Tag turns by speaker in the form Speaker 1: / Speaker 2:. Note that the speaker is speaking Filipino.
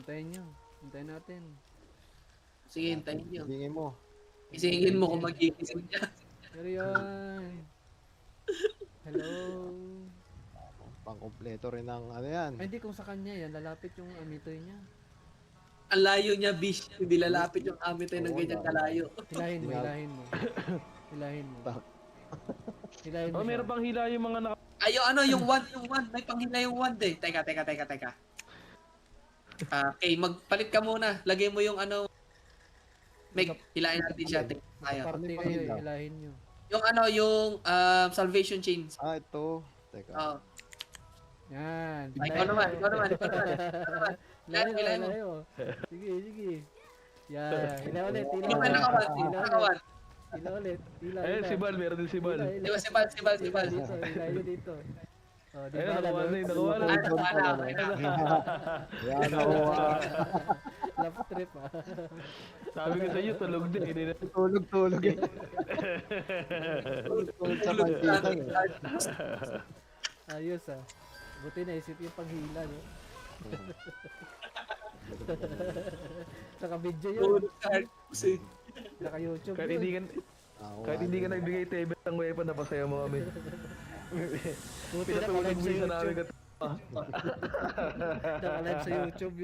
Speaker 1: Hintayin nyo. Hintayin natin.
Speaker 2: Sige, hintayin nyo.
Speaker 3: Tingin mo.
Speaker 2: Isingin mo kung magigising niya.
Speaker 1: Pero yan. Hello.
Speaker 3: Pang-kompleto rin ng ano yan.
Speaker 1: Ay, hindi kung sa kanya yan. Lalapit yung amitoy niya.
Speaker 2: Ang layo niya, bish. Hindi lalapit yung amitay ng ganyan kalayo.
Speaker 1: Hilahin mo,
Speaker 3: Tingnan.
Speaker 1: hilahin mo. Hilahin mo. Hilahin mo
Speaker 4: Oh, meron
Speaker 1: siya.
Speaker 4: pang hila yung mga naka...
Speaker 2: Ay, yung one. May panghila yung one eh. Teka. Okay, magpalit ka muna. Lagay mo yung ano. Meg, hilahin natin siya. Tayo.
Speaker 1: Party
Speaker 3: Ano
Speaker 1: kayo,
Speaker 3: yung
Speaker 1: hilahin nyo.
Speaker 2: Yung salvation chains.
Speaker 3: Ah, ito. Teka.
Speaker 2: Oh.
Speaker 1: Yan.
Speaker 2: Ikaw naman.
Speaker 1: Hilahin mo,
Speaker 2: Hilahin mo.
Speaker 1: hilahin mo. Sige. Yan. Hila ulit, hila
Speaker 2: Yung
Speaker 1: ulit.
Speaker 2: nakawan.
Speaker 1: Hila ulit. Hila.
Speaker 4: Ayun, si Bal, meron din si Bal.
Speaker 2: Di ba, si Bal.
Speaker 1: Dito, hilahin nyo dito. Oh, di
Speaker 4: Ayun,
Speaker 1: ba?
Speaker 4: nakawa na yun, nakawa na.
Speaker 3: Yan ako.
Speaker 1: Love trip ah.
Speaker 4: Sabi ko sa iyo, tulog din. Hindi na...
Speaker 3: Tulog. Tulog sa maldita.
Speaker 1: Ayos ah. Buti naisip yung paghila, no? Naka-video yun. Naka-YouTube
Speaker 4: Kahit
Speaker 1: yun.
Speaker 4: hindi ka... Kahit hindi ka nagbigay tebet ng weapon, napasaya mo kami.
Speaker 1: Buti
Speaker 4: Pinatulog
Speaker 1: naka-live
Speaker 4: mo
Speaker 1: sa
Speaker 4: sa namin
Speaker 1: YouTube.
Speaker 4: kat...
Speaker 1: Naka-live sa YouTube